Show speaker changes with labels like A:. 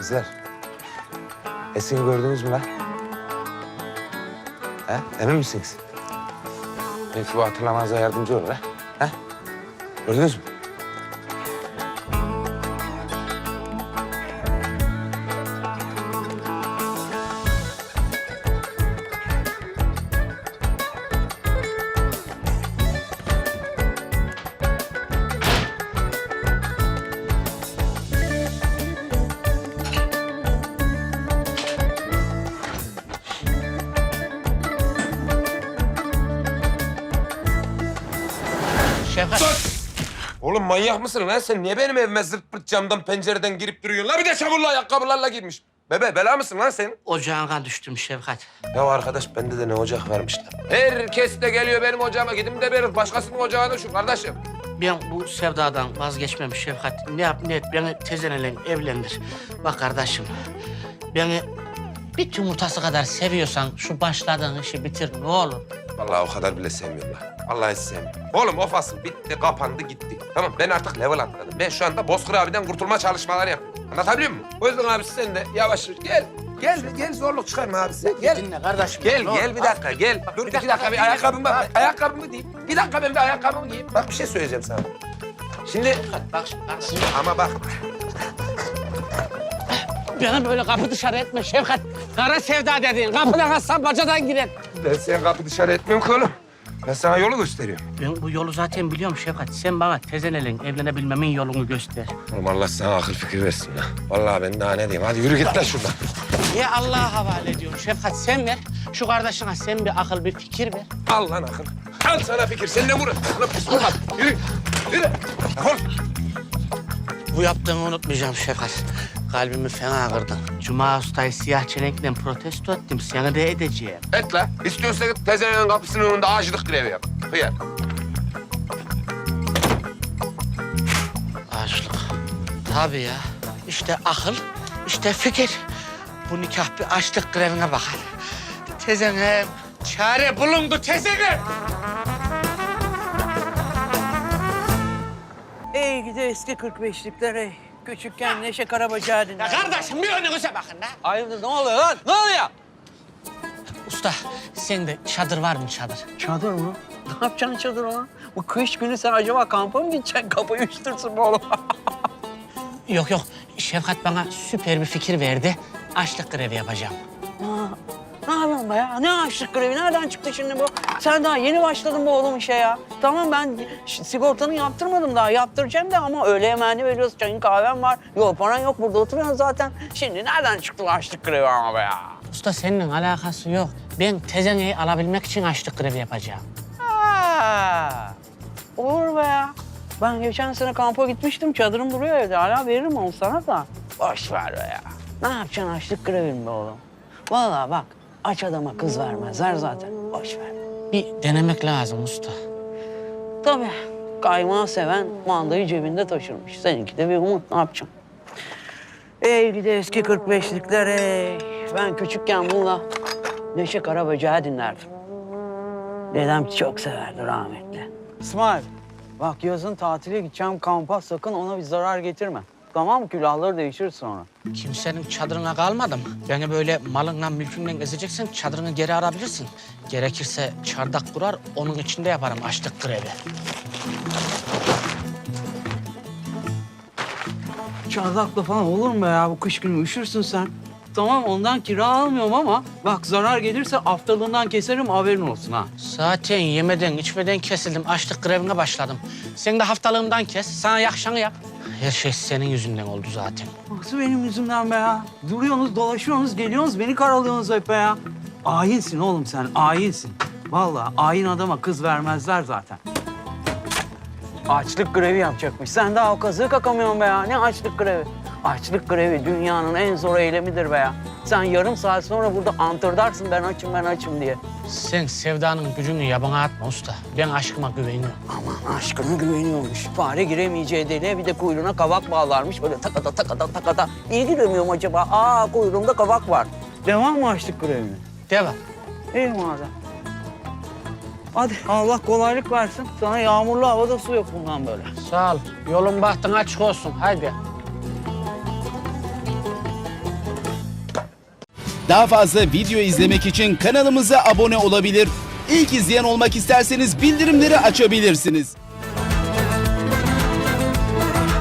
A: Kızlar. Esin'i gördünüz mü lan? Ha? Emin misiniz? Belki bu hatırlamanıza yardımcı olur ha? Ha? Gördünüz mü?
B: Şevkat.
A: Oğlum manyak mısın lan sen? Niye benim evime zırt pırt camdan pencereden girip duruyorsun? La bir de çamurlu ayakkabılarla girmiş. Bebe bela mısın lan sen?
B: Ocağına düştüm Şevkat.
A: Ya arkadaş bende de ne ocak varmış lan. Herkes de geliyor benim ocağıma. Gidin de bir başkasının ocağına şu kardeşim.
B: Ben bu sevdadan vazgeçmem Şevkat. Ne yap ne et beni tezenle evlendir. Bak kardeşim, beni bir yumurtası kadar seviyorsan şu başladığın işi bitir ne olur.
A: Vallahi o kadar bile sevmiyorum lan. Vallahi hiç sevmiyorum. Oğlum o fasıl bitti, kapandı, gitti. Tamam ben artık level atladım. Ben şu anda Bozkır abiden kurtulma çalışmaları yapıyorum. Anlatabiliyor muyum? O yüzden abi sen de yavaş yürü. Gel zorluk çıkarma abi sen. Gel.
B: Dinle kardeşim.
A: Gel
B: ne olur.
A: bir dakika gel. Dur iki dakika bir ayakkabımı bak. Ayakkabımı giyeyim. Bir dakika ben bir ayakkabımı giyeyim. Bak bir şey söyleyeceğim sana. Şimdi
B: Bak şimdi kardeşim.
A: ama bak.
B: Beni böyle kapı dışarı etme Şevkat. Kara sevda dediğin kapıdan atsan bacadan girer.
A: Ben seni kapı dışarı etmiyorum ki oğlum. Ben sana yolu gösteriyorum.
B: Ben bu yolu zaten biliyorum Şevkat. Sen bana tezenle evlenebilmemin yolunu göster.
A: Oğlum Allah sana akıl fikir versin lan. Vallahi ben daha ne diyeyim. Hadi yürü git lan şuradan.
B: Niye Allah'a havale ediyorsun Şevkat? Sen ver. Şu kardeşine sen bir akıl, bir fikir ver.
A: Al lan akıl. Al sana fikir. Sen de vur. Lan pis vurma. Yürü. Defol.
B: Bu yaptığını unutmayacağım Şevkat. Kalbimi fena kırdın. Cuma Usta'yı siyah çelenkle protesto ettim. Seni de edeceğim.
A: Et la. İstiyorsan tezenenin kapısının önünde ağaçlık grevi yap. Hıyar.
B: Açlık. Tabii ya. İşte akıl, işte fikir. Bu nikah bir açlık grevine bakar. Tezenem, çare bulundu tezenem.
C: Ey gidi eski 45'likler ey. Küçükken Neşe Karabacağı
B: Ya
C: dinler.
B: kardeşim bir önünüze bakın da.
C: Hayırdır ne oluyor lan? Ne oluyor?
B: Usta, sende çadır var mı çadır?
C: Çadır mı? Ne yapacaksın çadır lan? Bu kış günü sen acaba kampa mı gideceksin? Kafayı üşütürsün bu oğlum.
B: Yok. Şevkat bana süper bir fikir verdi. Açlık grevi yapacağım.
C: Ne yapıyorsun be ya? Ne açlık grevi? Nereden çıktı şimdi bu? Sen daha yeni başladın bu oğlum işe ya. Tamam ben sigortanı yaptırmadım daha. Yaptıracağım da ama öğle yemeğini veriyoruz. Çayın kahven var. Yok paran yok burada oturuyorsun zaten. Şimdi nereden çıktı bu açlık grevi ama be ya?
B: Usta seninle alakası yok. Ben tezeneyi alabilmek için açlık grevi yapacağım.
C: Ha, olur be ya. Ben geçen sene kampa gitmiştim. Çadırım duruyor evde. Hala veririm onu sana da. Boş ver be ya. Ne yapacaksın açlık grevin be oğlum? Vallahi bak aç adama kız vermezler zaten. Boş ver.
B: Bir denemek lazım usta.
C: Tabii kaymağı seven mandayı cebinde taşırmış. Seninki de bir umut. Ne yapacaksın? Ey gidi eski 45'likler ey. Ben küçükken bununla Neşe Karabacağı dinlerdim. Dedem çok severdi rahmetli. İsmail, bak yazın tatile gideceğim kampa sakın ona bir zarar getirme. Tamam mı? Külahları değişir sonra.
B: Kimsenin çadırına kalmadım. Beni böyle malınla mülkünle gezeceksin, çadırını geri arabilirsin. Gerekirse çardak kurar, onun içinde yaparım açlık grevi.
C: Çardakla falan olur mu be ya? Bu kış günü üşürsün sen. Tamam ondan kira almıyorum ama bak zarar gelirse haftalığından keserim haberin olsun ha.
B: Zaten yemeden, içmeden kesildim. Açlık grevine başladım. Sen de haftalığımdan kes, sana yakşanı yap. Her şey senin yüzünden oldu zaten.
C: Nasıl benim yüzümden be ya? Duruyorsunuz, dolaşıyorsunuz, geliyorsunuz, beni karalıyorsunuz hep be ya. Ayinsin oğlum sen, ayinsin. Vallahi ayin adama kız vermezler zaten. Açlık grevi yapacakmış. Sen daha o kazığı kakamıyorsun be ya. Ne açlık grevi? Açlık grevi dünyanın en zor eylemidir be ya. Sen yarım saat sonra burada antırdarsın ben açım diye.
B: Sen sevdanın gücünü yabana atma usta. Ben aşkıma güveniyorum.
C: Aman aşkına güveniyormuş. Fare giremeyeceği deliğe bir de kuyruğuna kavak bağlarmış. Böyle takata. Niye giremiyorum acaba? Aa kuyruğumda kavak var. Devam mı açlık grevine?
B: Devam.
C: İyi madem. Hadi Allah kolaylık versin. Sana yağmurlu havada su yok bundan böyle.
B: Sağ ol. Yolun bahtın açık olsun. Haydi.
D: Daha fazla video izlemek için kanalımıza abone olabilir. İlk izleyen olmak isterseniz bildirimleri açabilirsiniz.